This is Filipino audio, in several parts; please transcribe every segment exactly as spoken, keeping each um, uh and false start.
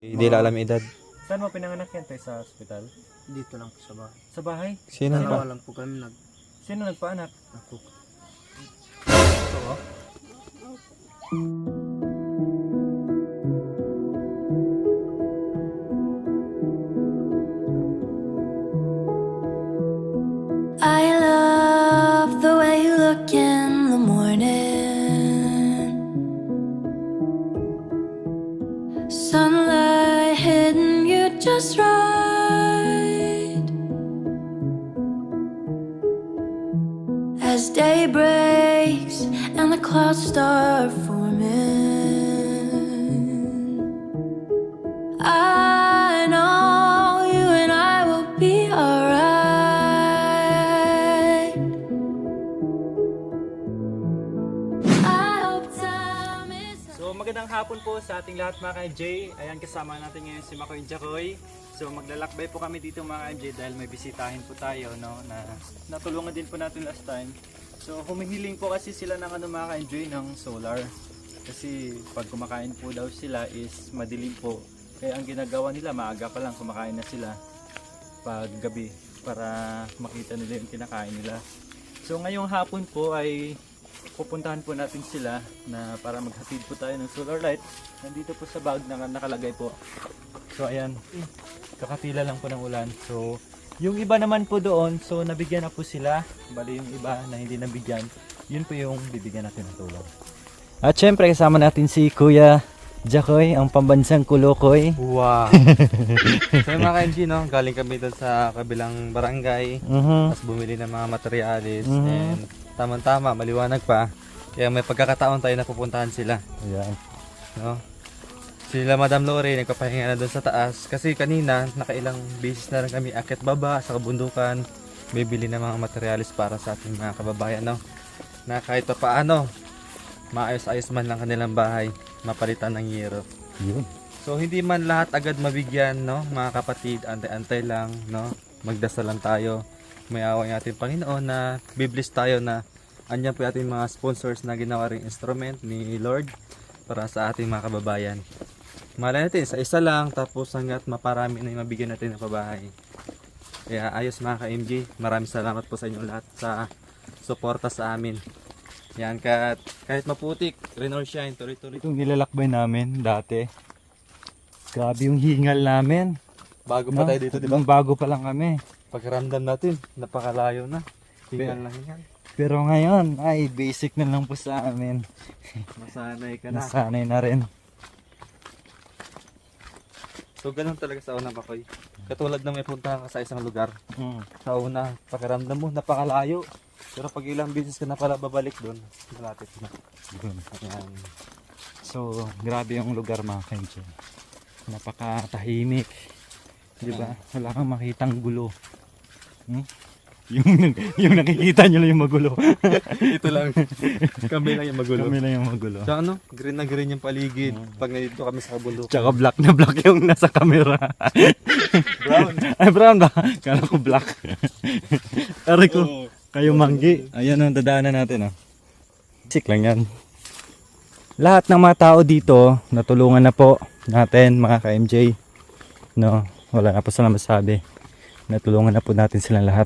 Hindi la alam edad. Saan mo pinanganak yan tayo sa ospital? Dito lang po sa bahay. Sa bahay? Sino Dalawa ba? lang po kami nag... Sino nagpaanak? Ako. Ito oh. I love the way you look in the morning. Sunlight hitting you just right. As day breaks and the clouds start forming, I know you and I will be alright. I hope time is So magandang hapon po sa ating lahat mga ka-M J. Ayan, kasama natin ngayon si Makoy Jacoy. So maglalakbay po kami dito mga ka-M J dahil may bisitahin po tayo, no, na natulungan din po natin last time. So humihiling po kasi sila ng ano mga ka-M J ng solar. Kasi pag kumakain po daw sila is madilim po. Kaya ang ginagawa nila, maaga pa lang kumakain na sila pag gabi para makita nila yung kinakain nila. So ngayong hapon po ay pupuntahan po natin sila na para maghatid po tayo ng solar light. Nandito po sa bag na nakalagay po. So ayan, kakatila lang po ng ulan. So yung iba naman po doon, so nabigyan na po sila. Bali yung iba na hindi nabigyan, yun po yung bibigyan natin ng tulong. At syempre kasama natin si Kuya Jacoy, ang pambansang Kulukoy. Wow! So mga ka-M G, no? Galing kami doon sa kabilang barangay. Mhm. Tapos bumili ng mga materialis. Mhm. And tamang-tama, maliwanag pa. Kaya may pagkakataon tayo na pupuntahan sila. Ayan. No? Sila Madam Lori, nagpapahinga na doon sa taas. Kasi kanina, nakailang beses na rin kami akit baba sa kabundukan. Bibili ng mga materialis para sa ating mga kababayan. No? Na kahit pa paano, maayos-ayos man lang kanilang bahay, mapalitan ng yero. Yun. So hindi man lahat agad mabigyan, no, mga kapatid, antay-antay lang, no. Magdasal lang tayo. May awa ng ating Panginoon na biblis tayo na andyan po ating mga sponsors na ginawa ring instrument ni Lord para sa ating mga kababayan. Malay natin, sa isa lang, tapos hanggat maparami na yung mabigyan natin ng pabahay. Kaya ayos mga ka-M G, maraming salamat po sa inyong lahat sa suporta sa amin. Yan, kahit, kahit maputik, rain or shine, tuloy-tuloy. Itong nilalakbay namin dati. Grabe yung hingal namin. Bago No? pa tayo dito, di ba? Nung bago pa lang kami. Pagkaramdam natin, napakalayo na. Hingal na hingal. Pero ngayon, ay basic na lang po sa amin. Masanay ka na. Nasanay na rin. So ganun talaga sa unang Makoy. Katulad na may puntahan ka sa isang lugar. Mm. Sa una, pakiramdam mo, napakalayo. Pero pag ilang beses ka na pala babalik doon, malapit na. Yun. Ayan. So, grabe yung lugar mga ka-M J. Napakatahimik. Di ba? Wala kang makitang gulo. Hmm? Yung, yung nakikita nyo lang yung magulo. Ito lang. Kami lang yung magulo. Kami lang yung magulo. Sa ano, green na green yung paligid. Pag nandito kami sa bundok. Tsaka black na black yung nasa camera. Brown. Ay, brown ba? Kala ko black. Aray ko. Oo. Kayo manggi. Ayan ang dadaanan natin. Oh. Sik lang yan. Lahat ng mga tao dito, natulungan na po natin mga ka-M J. No, wala na po sila masabi. Natulungan na po natin silang lahat.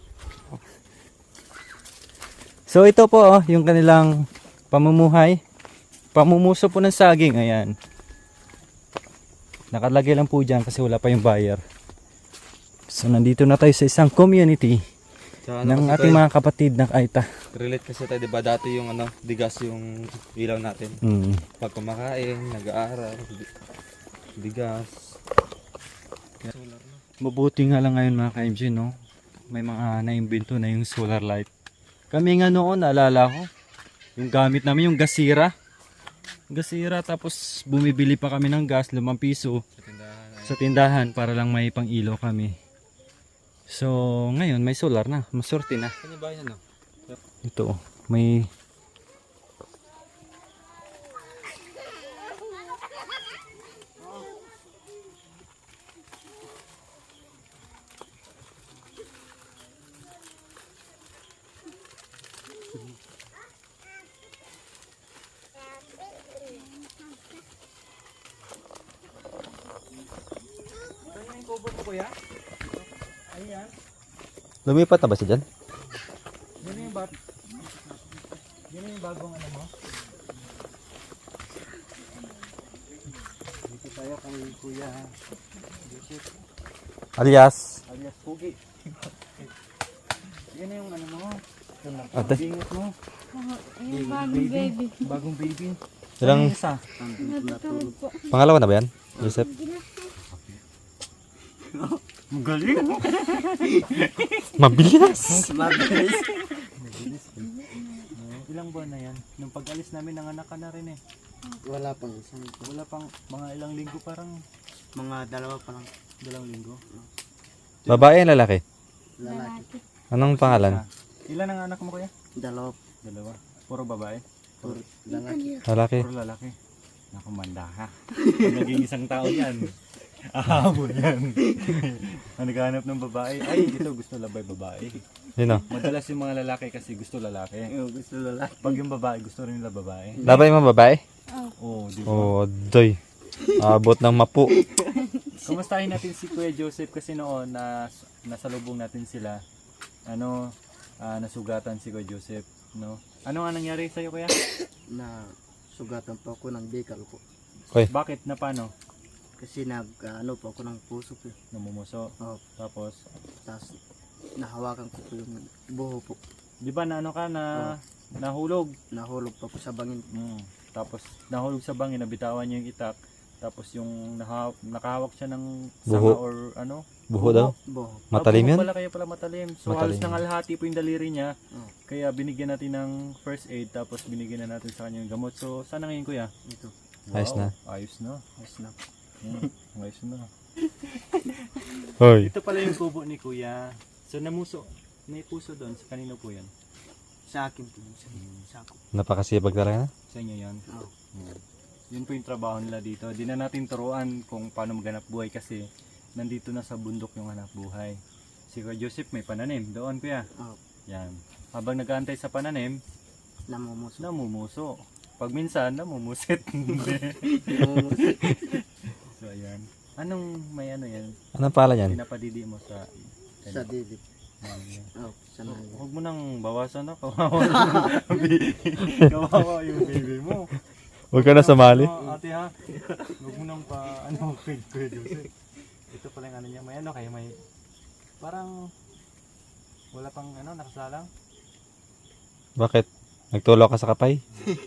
So ito po oh, yung kanilang pamumuhay. Pamumuso po ng saging. Ayan. Nakalagay lang po dyan kasi wala pa yung buyer. So nandito na tayo sa isang community Sa ano ng kasi ating tayo, mga kapatid na Aita. relate kasi tayo, di ba? Dati yung ano, digas yung ilaw natin. Mm. Pag kumakain, nag-aaral, di- digas. Solar na. Mabuti nga lang ngayon mga ka-M J, no? May mga naimbento na yung solar light. Kami nga noon, naalala ko, yung gamit namin yung gasira. Gasira, tapos bumibili pa kami ng gas, limang piso Sa tindahan. ay- sa tindahan para lang may pang ilaw kami. So, ngayon may solar na, masorte na. Saan yung bahay ano? Ito, may... yung kubo mo kuya? Ayan. Lumipat na ba siya dyan? Yan yung bat. Yan yung bagong ano mo. Dito tayo kay Kuya Joseph Alias? alias Pugi. Yan yung ano mo. Ate? Bingot mo. Yung bagong baby. Bagong baby. Ilang, Ano yung isa? Natutulog po. pangalawa na ba yan, Joseph? Magaling. Mabilis! Mabilis. Ilang buwan na yan? Nung pag-alis namin, nanganak ka na rin eh. Wala pang isang Wala pang mga ilang linggo, parang mga dalawa pa lang dalawang linggo. Babae o lalaki? lalaki. Anong pangalan? Ah, ilan ang anak mo kuya? Dalawa Dalawa. Puro babae? puro lalaki. Lalaki. Puro lalaki. Naku, manda ka. Pag naging isang tao yan. Ahabo yan. Ang naghahanap ng babae. Ay, ito gusto labay babae. Yun o. Madalas yung mga lalaki kasi gusto lalaki. Yung gusto lalaki. Pag yung babae, gusto rin nila babae. Labay mo babae? Oo, di ba? Oo, oh, doy. Abot ng mapu. Kumustahin natin si Kuya Joseph kasi noon na nasa lubong natin sila. Ano, ah, nasugatan si Kuya Joseph, no? Ano nga nangyari sa iyo kuya? Na sugatan po ako ng bikal po. Bakit na paano? Kasi nag ano po ako ng puso po. Namumuso. Oh, Tapos, tapos nahawakan ko po yung buho po. di ba na ano ka na nahulog? Nahulog pa po sa bangin. Mm. Tapos nahulog sa bangin, nabitawan niya yung itak. Tapos yung naha, nakahawak siya ng sanga Buho. or ano? Buho daw. Buho. Matalim Ah, yun? buho pala, kaya pala matalim. So halos Matalim. nangalhati po yung daliri niya. Oh, Kaya binigyan natin ng first aid tapos binigyan na natin sa kanya yung gamot. So sana ngayon kuya? ito. Ayos na. Ayos na. Ayos na. Mm, ayos na. Hoy. Ito pala yung kubo ni kuya. So namuso. May puso doon. Sa kanino po yan? Sa akin po. Sa, sa ako. Napakasipag talaga na. Sa inyo yan. Oh, Mm. Yun po yung trabaho nila dito. Di na natin turuan kung paano maghanap buhay kasi nandito na sa bundok yung hanap buhay. Si Kuya Joseph may pananim. Doon kuya. oh, Yan. Habang nag-aantay sa pananim, namumuso. namumuso. Pag minsan, namumusit. Hindi. Namumuso. So ayan. Anong may ano yan? Anong pangalan yan? Pinapadidi mo sa... Sa didi. Yan. Oh, sa nangin. Huwag mo nang bawasan na. Kawawa yung baby. Kawawa yung baby mo. Huwag ka na sumali. Ano, ate ha? Huwag mo nang pa... Ano, kay Kuya Joseph. Ito pala yung ano niya. May ano kayo, may... Parang... Wala pang ano, nakasalang. Bakit? Nagtulog ka sa kapay?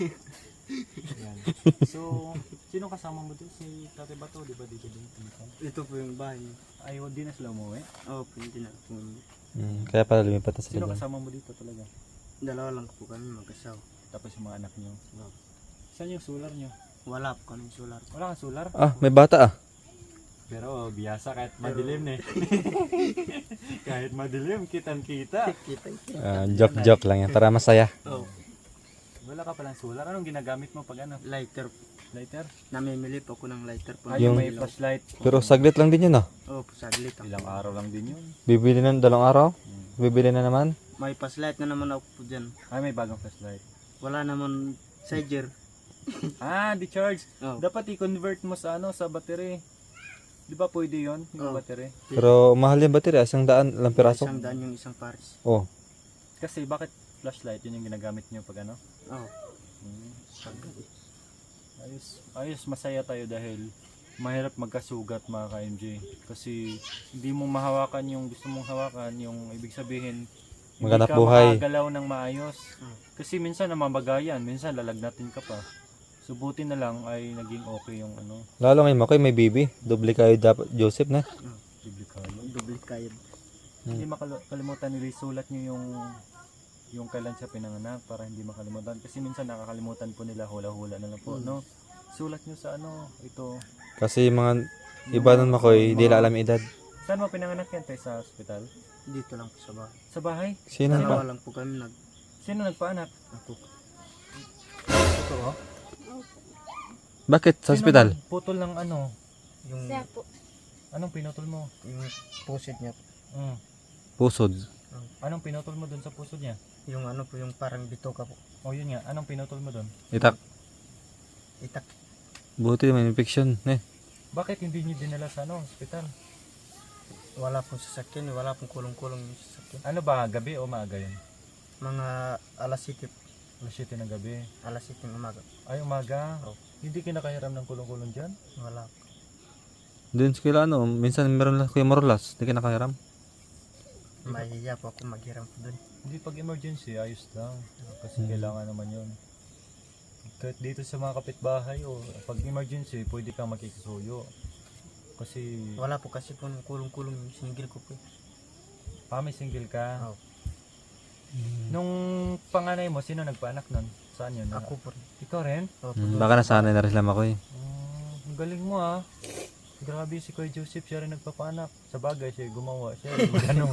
Yan. So, sino kasama mo doon? Si Tate Bato, di ba dito din? Ito po yung bahay. Ay, di na sila umuwi. Oh, pwede na po. Hmm, kaya pala lumipat na sila Sino dyan. kasama mo dito talaga? Dalawa lang po kami mag-asawa. Tapos yung mga anak niyo. Oh, Saan yung solar niyo? wala po kami solar. Wala kang solar? Ah, may bata ah. Pero biyasa kahit madilim eh. Kahit madilim, kitang kita. Kita. Ah, joke-joke lang yan para masaya. Oh, Wala ka palang solar. Anong ginagamit mo pag ano? lighter. Lighter? Namimili po ako ng lighter po. Ay, yung Yung- may flashlight. Pero saglit lang din yun ah. Oh, saglit ako. Ilang araw lang din yun. Bibili na dalawang araw. Bibili na naman. May paslight na naman ako po dyan. Ay, may bagong flashlight. Wala naman charger. Ah, di charge. Oh, Dapat i-convert mo sa ano, sa battery. Di ba pwede yon yung Oh. battery? Pero mahal yung battery. Isang daan lang piraso. isang daan yung isang pares. Oh. Kasi bakit flashlight yun yung ginagamit niyo pag ano? Oh, Hmm. Ayos, ayos, masaya tayo dahil mahirap magkasugat mga ka-M J. Kasi hindi mo mahawakan yung gusto mong hawakan, yung ibig sabihin, Maghanap hindi ka buhay. makagalaw ng maayos. Hmm. Kasi minsan namamagayan, minsan lalagnatin ka pa. So buti na lang ay naging okay yung ano, Lalo ngayon Makoy, may baby. Doble kayo dapat, Joseph na. biblikalo. double kayod. Hindi makalimutan nila isulat nyo yung yung kailan siya pinanganak para hindi makalimutan. Kasi minsan nakakalimutan po nila, hula-hula na lang po, Hmm. no? Sulat nyo sa ano, ito. Kasi yung mga iba nun Makoy, hindi nila alam yung edad. Saan mo pinanganak yan, tayo sa ospital? Dito lang po sa bahay. Sa bahay? Sino Dalawa ba? lang po kami nag Sino nagpaanak? ako. Totoo? Bakit sa Sino ospital? nagputol ng ano? Yung, Siya po. Anong pinutol mo? yung pusit niya. Mm. Pusod. Anong pinutol mo dun sa puso niya? Yung ano po, yung parang bitoka po. O yun nga, anong pinutol mo dun? Itak. Itak. Buti may infection. Eh. Bakit hindi niyo dinala sa ano, ospital? Wala pong sasakyan, wala pong kulong-kulong yung sasakyan. Ano ba, gabi o maaga yun? Mga alas siyete, Alas siyete ng gabi. alas siyete ng umaga. Ay, umaga. Oh. Hindi kinakahiram ng kulong-kulong dyan? Wala. Doon sa kila ano, minsan meron lang Kuya Marolas, hindi ka nakahiram. Mahihiya po ako maghiram po doon. Hindi, pag emergency, ayos lang. Kasi kailangan naman yun. Kahit dito sa mga kapitbahay, o pag emergency, pwede kang makikisuyo. Kasi, Wala po kasi kung kulong-kulong yung single ko po. ah, may single ka. Oh. Nung panganay mo, sino nagpaanak nun? Saan yun? Ako po rin. Ikaw rin? Oh, po Hmm, doon. baka nasanay na rin sila ako eh. Oh, ang galing mo ah. Grabe si Kuya Joseph, siya rin nagpapaanak. Sa bagay, siya gumawa. Siya rin magano.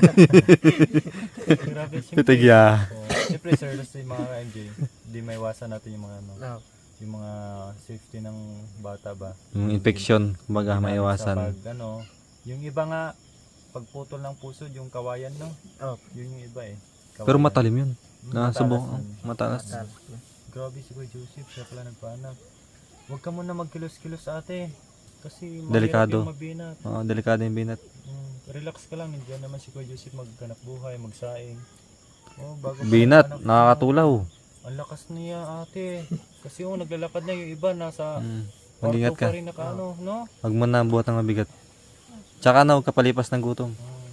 Grabe si Pitigya. Oh, siyempre, sir, sa mga M J, di may iwasan natin yung mga ano, Oh. yung mga safety ng bata ba. Yung infection, kumbaga Sa maiwasan. pag, ano, yung iba nga, pagputol ng puso, yung kawayan, no? Oh. Yun yung iba eh. Kawayan. Pero matalim yun. Matalas Nasubok, nun. matalas. Matalas. Grabe si Kuya Joseph, siya pala nagpaanak. Huwag ka muna magkilos-kilos ate. Kasi mahirap Delikado. yung mabinat. Oo, delikado yung binat. Mm, relax ka lang, nandiyan naman si Kuya Joseph magkanap buhay, magsaing. Oh, bago pa Binat, anak mo. nakakatulaw. Ang lakas niya ate. Kasi yung naglalakad na yung iba, nasa Hmm. kwarto Mag-ingat ka. pa rin naka ano, no? Huwag mo na buhat ng mabigat. Tsaka na huwag kapalipas ng gutom.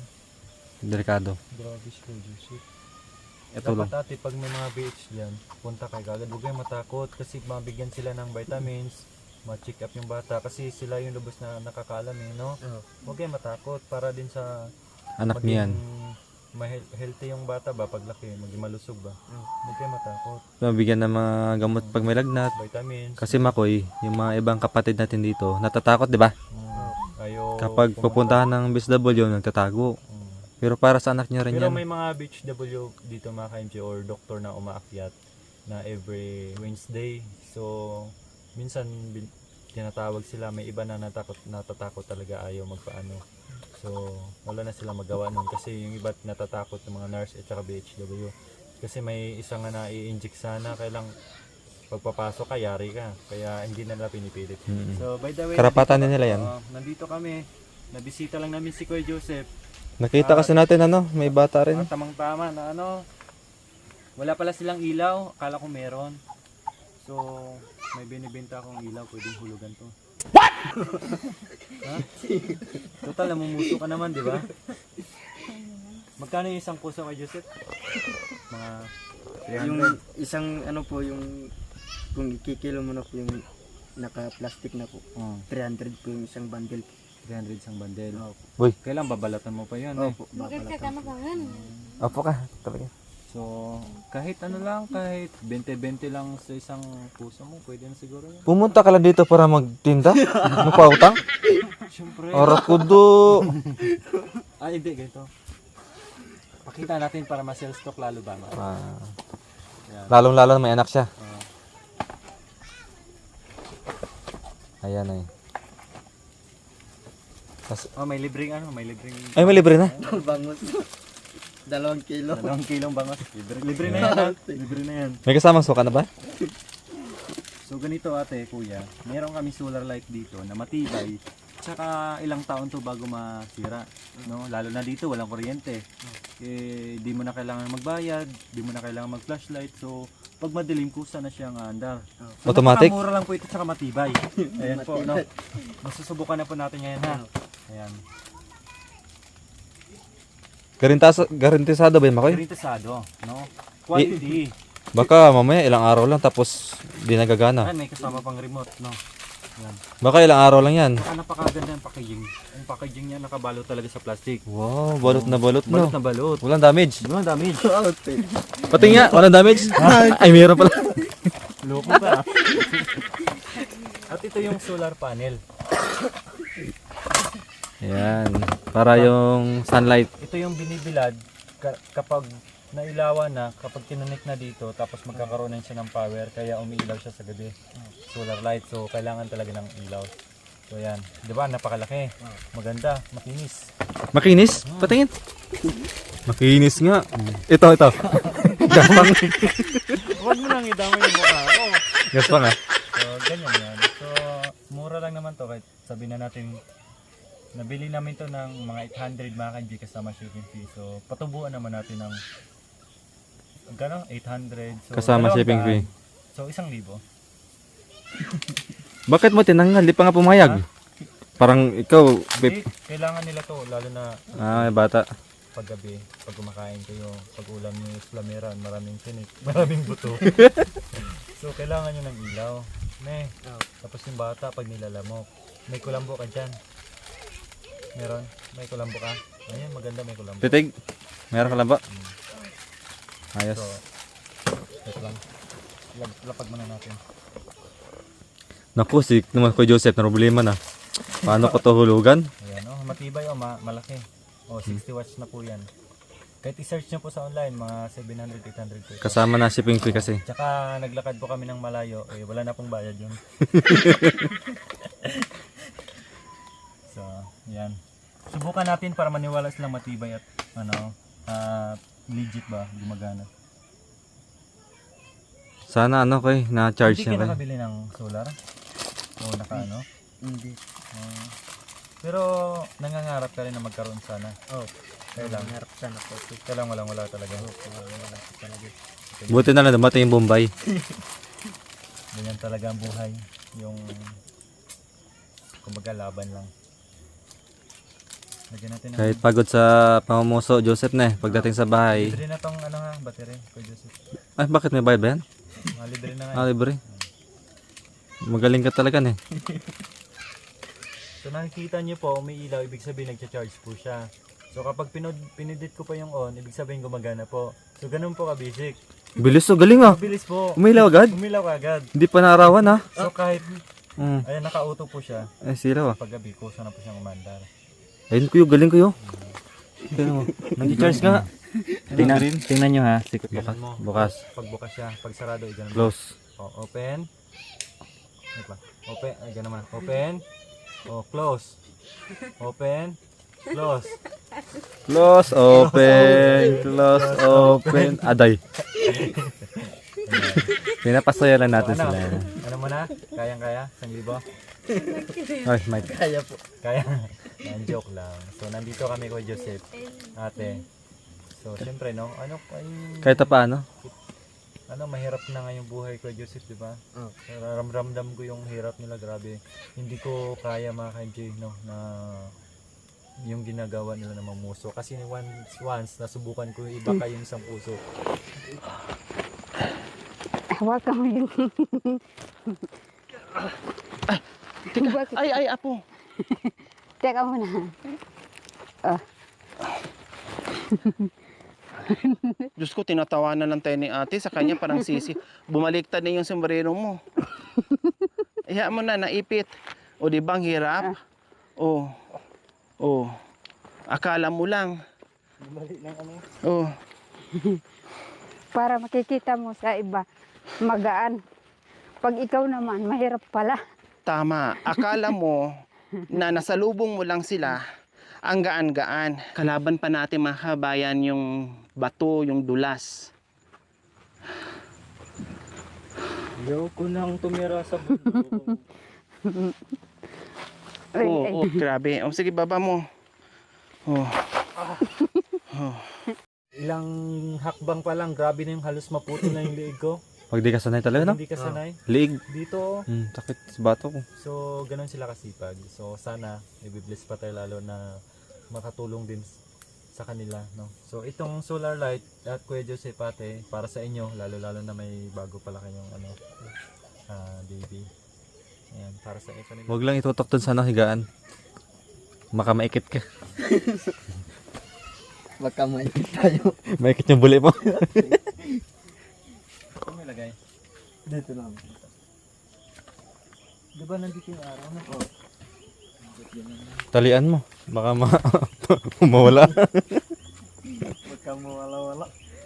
Mm, Delikado. grabe si Kuya Joseph. Ito lang. Dapat ate, pag may mga B H dyan, punta kay kagad. Huwag kayong matakot kasi mabigyan sila ng vitamins, ma-check up yung bata kasi sila yung lubos na nakakaalam eh, no? Oh. Huwag kayong matakot para din sa Anak niyan. ma- healthy yung bata ba paglaki, maging malusog ba? Mm. Huwag kayong matakot. Mabigyan ng mga gamot pag may lagnat. Vitamins. Kasi Makoy, yung mga ibang kapatid natin dito, natatakot, di ba? mm, kayo Kapag pumunta. pupuntahan ng B S W, nagtatago. Mm. Pero para sa anak niya rin Pero yan. may mga B H W dito mga ka-M J or doktor na umaakyat na every Wednesday. So, minsan bin- tinatawag sila, may iba na natakot, natatakot talaga ayaw magpaano. So, wala na silang magawa nun kasi yung iba natatakot ng mga nurse at saka B H W. Kasi may isang nga na i-inject sana, kailang pagpapasok ka, yari ka. Kaya hindi na nila pinipilit. Mm. So, by the way, Karapatan nandito din nila ka- yan. Oo, nandito kami. Nabisita lang namin si Kuya Joseph. Nakita kasi natin ano, may bata rin. Ah, tamang tama na ano. Wala pala silang ilaw, akala ko meron. So, may binibenta akong ilaw, pwedeng hulugan to. What? Ha? Total, namumuso ka naman, di ba? Magkano yung isang puso kay Joseph? Mga three Yung hundred. isang ano po yung kung ikikilo mo na po yung naka-plastic na po. Oh, three hundred po yung isang bundle. three hundred isang bandel. Opo. Uy. Kailan babalatan mo pa yan eh. Opo. Bakit ka Babalatan. kanabangan? Opo ka, talaga. So, kahit ano lang, kahit twenty-twenty lang sa isang puso mo, pwede na siguro yan. Pumunta ka lang dito para magtinda? Magpautang? Siyempre. Arakudo! Ah, hindi, ganito. Pakita natin para ma-sell stock lalo ba? Ah, Yan. lalong-lalo may anak siya. Ah. Ayan ay. Oh, may libreng ano, may libreng Ay, may libre na. Bangus. Dalawang kilo. dalawang kilong bangos. Libre, libre na yan, ha? Libre na yan. May kasamang suka na ba? So ganito ate, kuya, meron kami solar light dito na matibay. Tsaka ilang taon to bago masira, no? Lalo na dito walang kuryente. Eh di mo na kailangan magbayad, di mo na kailangan mag-flashlight. So pag madilim kusa na siyang andar. So, Automatic? Mura lang po ito tsaka matibay. Ayan po, no. Masusubukan na po natin ngayon ha. Ayan. Garantas garantisado ba yun, Makoy? Garantisado, no? Quality. Baka mamaya ilang araw lang tapos di nagagana. Ayan, may kasama pang remote, no? Ayan. Baka ilang araw lang yan. Saka napakaganda yung packaging. Yung packaging niya nakabalot talaga sa plastic. Wow, balot na balot, no? Balot na balot. Walang damage. Walang damage. Pati nga, walang damage. Ay, meron pala. Loko pa. At ito yung solar panel. Ayan, para yung sunlight. Ito yung binibilad ka- kapag nailawan na, kapag kinunik na dito, tapos magkakaroon na siya ng power, kaya umiilaw siya sa gabi. Solar light, so kailangan talaga ng ilaw. So yan, di ba napakalaki, maganda, makinis. Makinis? Patingin. Makinis nga. Ito, ito. Gaspang. Huwag mo nang idamay yung mukha ko. Gaspang ah. So ganyan yan. So mura lang naman to, kahit sabihin na natin Nabili namin to ng mga eight hundred mga ka-M J kasama shipping fee. So patubuan naman natin ng gano eight hundred. So, Kasama dalawang shipping daan. fee. So isang libo. Bakit mo tinanggal? Di pa nga pumayag. Parang ikaw, Hindi, pip. kailangan nila to lalo na Ah, may bata. paggabi, pag kumakain kayo, pag ulam niyo is flameran, maraming tinik, maraming buto. So kailangan nyo ng ilaw. Ne, tapos yung bata pag nilalamok, may kulambo ka dyan. Meron? May kulambo ka? Ayun, maganda may kulambo. Titig, meron ka lang ba? Ayos. So, wait lang. Lag- Lapag muna natin. Naku, si naman ko Joseph, na problema na. Paano ko to hulugan? Ayan, oh, matibay oh, ma- malaki. Oh, sixty watts na po yan. Kahit i-search nyo po sa online, mga seven hundred, eight hundred pesos. Kasama na shipping fee kasi. Tsaka naglakad po kami ng malayo, eh wala na pong bayad yun. So, yan. Subukan natin para maniwala silang matibay at ano, ah, legit ba, gumagana. Sana ano kay, na-charge Hindi niya ka kay. nakabili ng solar? O naka ano? Hindi. Ah, pero nangangarap ka rin na magkaroon sana. Oh, Kailang, nangarap sana po. kailang walang wala talaga. Wala po talaga. Buti na lang dumating yung Bombay. Ganyan talaga ang buhay. Yung kumbaga laban lang. Lagyan natin ng Kahit pagod sa pamumuso, Joseph na eh, pagdating sa bahay. libre na tong ano nga, battery ko Joseph. Ay, bakit may bayad ba yan? Mga libre na nga. Ah, libre. Magaling ka talaga eh. So nakikita niyo po, umiilaw, ibig sabihin nagcha-charge po siya. So kapag pinod, pinindit ko pa yung on, ibig sabihin gumagana po. So ganun po ka-basic. Bilis oh, galing ah. Bilis po. Umilaw agad? Umilaw agad. Hindi pa naarawan ah. So kahit, Mm. ayan, naka-auto po siya. Ay, silaw ah. Paggabi ko, sana po siyang umandar. Ayun kuyo, galing kuyo. Tingnan mo. Nag-charge nga. Tingnan, tingnan nyo ha. Sikot Ganun mo. Bukas. Pagbukas siya, pag sarado, ay ganun. Close. O, open. Wait lang. Open, ay ganun naman. Open. O, close. Open. Close. Close, open. Close, open. Aday. Pinapasaya lang natin ano? sila. Ano mo na? Kayang-kaya? Isang libo? Ay, Mike. Kaya po. Kaya? Yan, joke lang. So, nandito kami kay Joseph. Ate. So, syempre, no? Ano, ay, Kahit pa paano? ano, mahirap na nga yung buhay ko, Joseph, di ba? Oh. Ramdam ko yung hirap nila, grabe. Hindi ko kaya mga ka-M J, no, na yung ginagawa nila na mamuso. Kasi once, once nasubukan ko, iba kayong isang puso. Hawakan mo yun. Bakit? Ay, ay, apo. Teka muna. Diyos ko, tinatawanan lang tayo ni ate. Sa kanya parang sisi. Bumaliktad na yung sombrero mo. Iya mo na, naipit. O di bang hirap? O. O. Akala mo lang. O. Para makikita mo sa iba, magaan. Pag ikaw naman, mahirap pala. Tama. Akala mo na nasalubong mo lang sila, ang gaan-gaan. Kalaban pa natin mga kabayan yung bato, yung dulas. Ayoko nang tumira sa bundok. Ay, Oo, ay. oh, grabe. O sige, baba mo. Oh. Ilang hakbang pa lang, grabe na yung halos maputo na yung liig ko. Pag di ka sanay talaga, no? Hindi ka sanay. Liig. Dito, Hmm, sakit sa bato ko. so ganun sila kasipag. So sana, i-bless pa tayo lalo na makatulong din sa kanila, no? So itong solar light at Kuya Joseph ate, para sa inyo, lalo-lalo na may bago pala kayong ano, ah, baby. Ayan, para sa inyo kanila. Huwag lang itutok dun sa ano, higaan. Maka maikit ka. Baka may tayo. Maikit yung buli mo. Ito may lagay. Dito lang. Di ba nandito yung araw na po? Talian mo. Baka ma mawala. Huwag kang mawala-wala.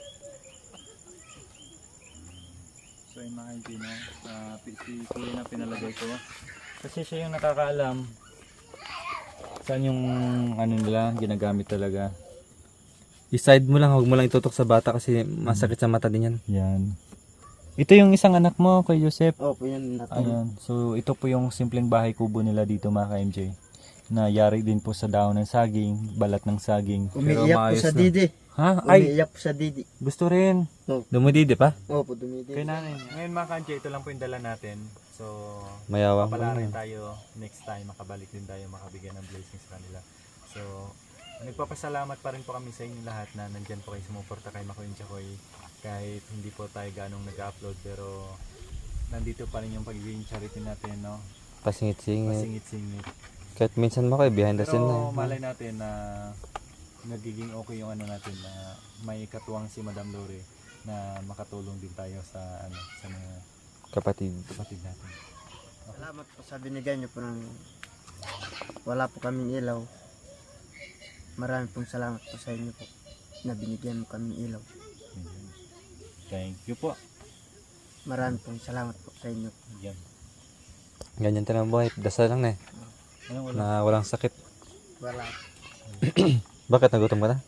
So yung mga hindi na, uh, si Kuya na pinalagay ko. Kasi siya yung nakakaalam saan yung ano nila ginagamit talaga. I-side mo lang, huwag mo lang itutok sa bata kasi masakit sa mata din yan. Yan. Ito yung isang anak mo, kay Joseph. Opo, yan natulog. Ayan. So ito po yung simpleng bahay kubo nila dito mga ka-M J. na yari din po sa daon ng saging, balat ng saging. Umiiyak po maayos sa na. didi. Ha? Ay, Umiiyak po sa didi. gusto rin. Dumididi pa? Opo, dumidi. Kaya namin. Ngayon mga ka-M J, ito lang po yung dala natin. So, Mayawang papala mo rin na. tayo next time, makabalik din tayo, makabigyan ng blessings sa kanila. So, nagpapasalamat pa rin po kami sa inyo lahat na nandyan po kayo sumuporta kay Makoy and Jacoy. Kahit hindi po tayo ganong nag-upload, pero nandito pa rin yung pagiging charity natin, no? Pasingit-singit. Pasingit-singit. Kahit minsan mo kayo behind the scene Pero na. malay natin na nagiging okay yung ano natin na may katuwang si Madam Lore na makatulong din tayo sa ano sa mga Kapatid. kapatid natin. Salamat po sa binigay niyo po ng wala po kaming ilaw. Maraming pong salamat po sa inyo po na binigyan mo kaming ilaw. Thank you po. Maraming pong salamat po sa inyo. Yan. Ganyan tayo ng buhay. Dasal lang na eh. Ano wala? Na walang sakit. Wala. Bakit nagutom ka na?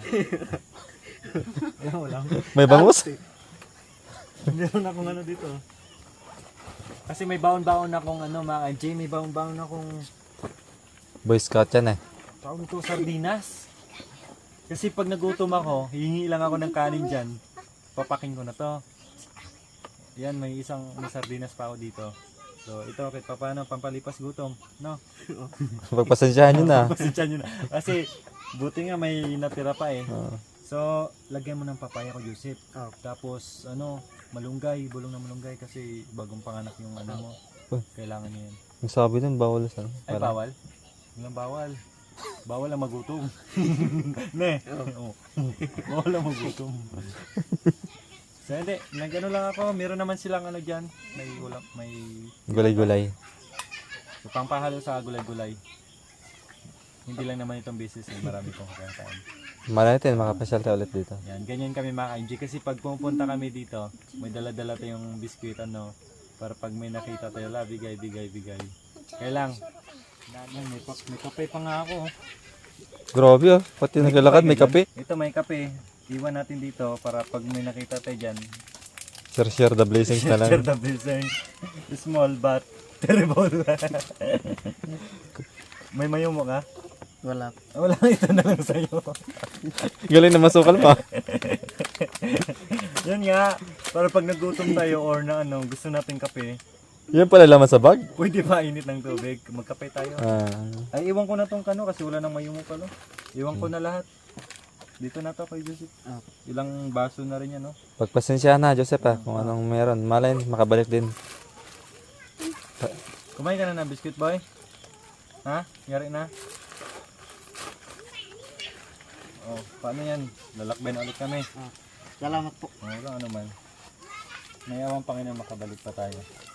Wala, wala. May bangus? Meron akong ano dito. Kasi may baon-baon akong ano mga J, may baon-baon akong Boy Scout yan eh. tawag ito sardinas. Kasi pag nagutom ako, hihingi lang ako ng kanin dyan. Papaking ko na to. Yan, may isang may sardinas pa ako dito. So ito kahit paano pampalipas gutom, no? Pagpasensyahan nyo na. Pasensya nyo na. Kasi buti nga may natira pa eh. Oo. So lagyan mo ng papaya ko, Joseph. Oh. Tapos ano, malunggay, bulong na malunggay kasi bagong panganak yung ano mo. Oh. Kailangan niya yan. Ang sabi dun, bawal sa Ay, bawal? Walang bawal. Bawal ang magutom. Ne? Oo. Bawal ang magutom. So hindi, nagano lang ako, meron naman silang ano dyan, may ulam, may Gulay-gulay. so, pampahalo sa gulay-gulay. Hindi lang naman itong business, eh, marami pong kakain. Malay natin, makapasyal tayo ulit dito. Yan, ganyan kami mga ka-M J kasi pag pumunta kami dito, may dala-dala tayong biskwit ano, para pag may nakita tayo, la, bigay, bigay, bigay. Kaya lang, yan, may, pa- may kape pa nga ako. oh. Grabe oh, pati naglalakad may kape. Ito may kape. Iwan natin dito para pag may nakita tayo dyan, Share share the blessings na share lang. the blessing. Small but terrible. May mayo mo ka? Wala. Ah, wala, ito na lang sa'yo. Galing na masukal pa. Yan nga, para pag nagutom tayo or na ano, gusto natin kape, Yan pala laman sa bag. pwede pa init ng tubig, magkape tayo. Ah, Ay, iwan ko na tong kano kasi wala nang mayo mo pala. Iwan ko na lahat. Dito na to kay Joseph. Ah. Ilang baso na rin yan, no? pagpasensyahan na Joseph ah, kung anong meron. Malay, makabalik din. Kumain ka na ng biscuit, boy? Ha? Yari na? Oh, paano yan? Lalakbay na ulit kami. Salamat po. Oh, wala ano man. May awang Panginoon makabalik pa tayo.